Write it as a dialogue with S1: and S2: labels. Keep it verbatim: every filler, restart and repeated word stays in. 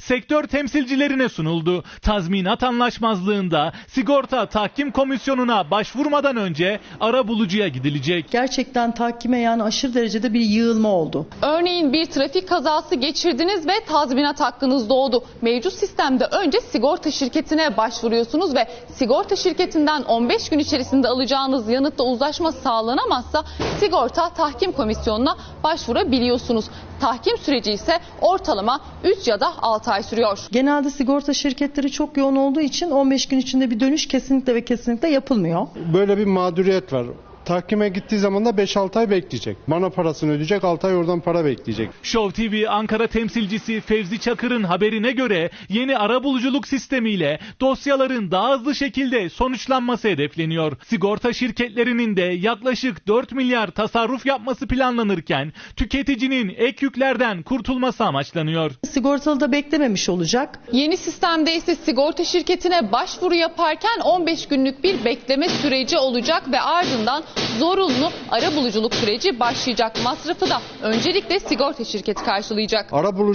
S1: sektör temsilcilerine sunuldu. Tazminat anlaşmazlığında sigorta tahkim komisyonuna başvurmadan önce arabulucuya gidilecek.
S2: Gerçekten tahkime yani aşırı derecede bir yığılma oldu.
S3: Örneğin bir trafik kazası geçirdiniz ve tazminat hakkınız doğdu. Mevcut sistemde önce sigorta şirketine başvuruyorsunuz ve sigorta şirketinden on beş gün içerisinde alacağınız yanıtla uzlaşma sağlanamazsa sigorta tahkim komisyonuna başvurabiliyorsunuz. Tahkim süreci ise ortalama üç ya da altı ay sürüyor.
S2: Genelde sigorta şirketleri çok yoğun olduğu için on beş gün içinde bir dönüş kesinlikle ve kesinlikle yapılmıyor.
S4: Böyle bir mağduriyet var. Tahkime gittiği zaman da beş altı ay bekleyecek. Bana parasını ödeyecek, altı ay oradan para bekleyecek.
S1: Show T V Ankara temsilcisi Fevzi Çakır'ın haberine göre yeni arabuluculuk sistemiyle dosyaların daha hızlı şekilde sonuçlanması hedefleniyor. Sigorta şirketlerinin de yaklaşık dört milyar tasarruf yapması planlanırken tüketicinin ek yüklerden kurtulması amaçlanıyor.
S2: Sigortalı da beklememiş olacak.
S3: Yeni sistemde ise sigorta şirketine başvuru yaparken on beş günlük bir bekleme süreci olacak ve ardından zorunlu arabuluculuk süreci başlayacak. Masrafı da öncelikle sigorta şirketi karşılayacak.
S4: Arabulucu